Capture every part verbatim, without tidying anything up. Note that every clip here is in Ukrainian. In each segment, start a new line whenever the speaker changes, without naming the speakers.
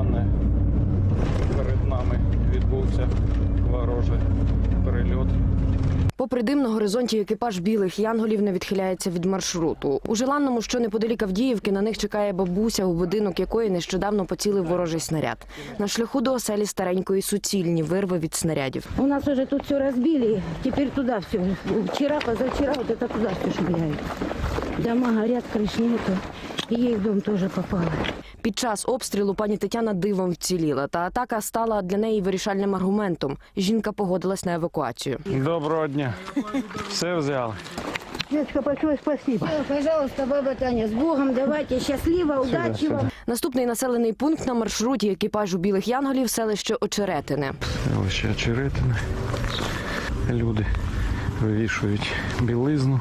туманне. Перед нами відбувся ворожий перельот.
Попри дим на горизонті, екіпаж білих янголів не відхиляється від маршруту. У Желанному, що неподалік Авдіївки, на них чекає бабуся, у будинок якої нещодавно поцілив ворожий снаряд. На шляху до оселі старенької суцільні вирви від снарядів.
У нас уже тут все разбили, теперь туда все. Вчера, позавчера вот это туда все швыряют. Дома горят, крыш нету. И ей в дом тоже попало.
Під час обстрілу пані Тетяна дивом вціліла, та атака стала для неї вирішальним аргументом. Жінка погодилась на евакуацію.
Доброго дня. Все взяли.
Детка, большое спасибо. Пожалуйста, баба Таня, с Богом, давайте, счастливо, удачи вам.
Наступний населений пункт на маршруті екіпажу білих янголів – селище Очеретине.
Селище Очеретине. Люди вивішують білизну.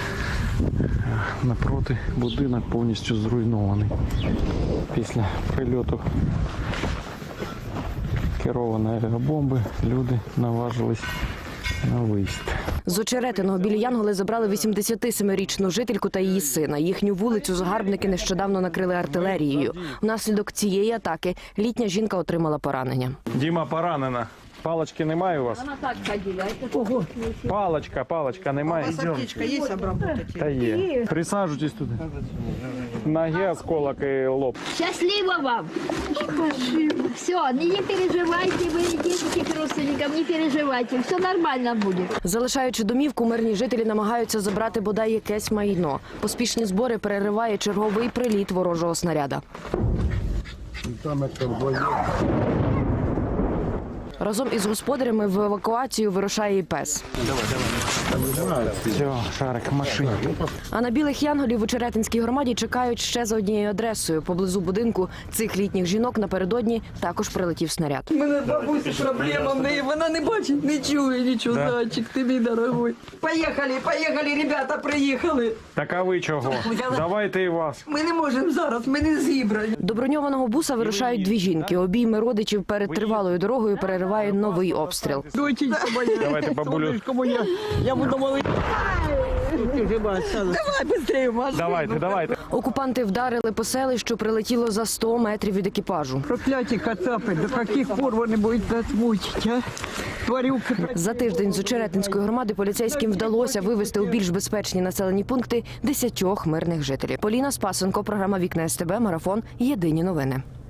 Напроти будинок повністю зруйнований. Після прильоту керованої авіабомби люди наважились на виїзд.
З Очеретиного білі янголи забрали вісімдесятисемирічну жительку та її сина. Їхню вулицю загарбники нещодавно накрили артилерією. Внаслідок цієї атаки літня жінка отримала поранення.
Діма поранена. Палочки немає у вас?
Вона так ходила. Ого.
Палочка, палочка немає?
Аптечка есть обработать?
Та є. Присаджуйтесь туди. Ноги, осколок і лоб.
Счастливо вам! Спасибо. Все, не переживайте, вы идите к родственникам, не переживайте, все нормально будет.
Залишаючи домівку, мирні жителі намагаються забрати бодай якесь майно. Поспішні збори перериває черговий приліт ворожого снаряда. Разом із господарями в евакуацію вирушає і пес.
Все, шарик в машині.
А на білих янголів у Очеретинській громаді чекають ще за однією адресою. Поблизу будинку цих літніх жінок напередодні також прилетів снаряд.
У мене бабусі проблема в неї, вона не бачить, не чує нічого,
Да.
зайчик, ти мій дорогой. Поїхали, поїхали, ребята, приїхали.
Так а ви чого? Давайте і вас.
Ми не можемо зараз, ми не зібрані.
До броньованого буса вирушають дві жінки. Обійми родичів перед тривалою дорогою перериває новий обстріл.
Доченька моя,
Давайте, бабулю.
сонечко моя, я буду молити. Давай, швидше, Маш.
Давайте, давайте.
Окупанти вдарили по селищу, прилетіло за сто метрів від екіпажу.
Прокляті кацапи, до яких пор вони будуть нас мучити, а? Тварюки.
За тиждень з Очеретинської громади поліцейським вдалося вивезти у більш безпечні населені пункти десятьох мирних жителів. Поліна Спасенко, програма «Вікна СТБ», марафон «Єдині новини».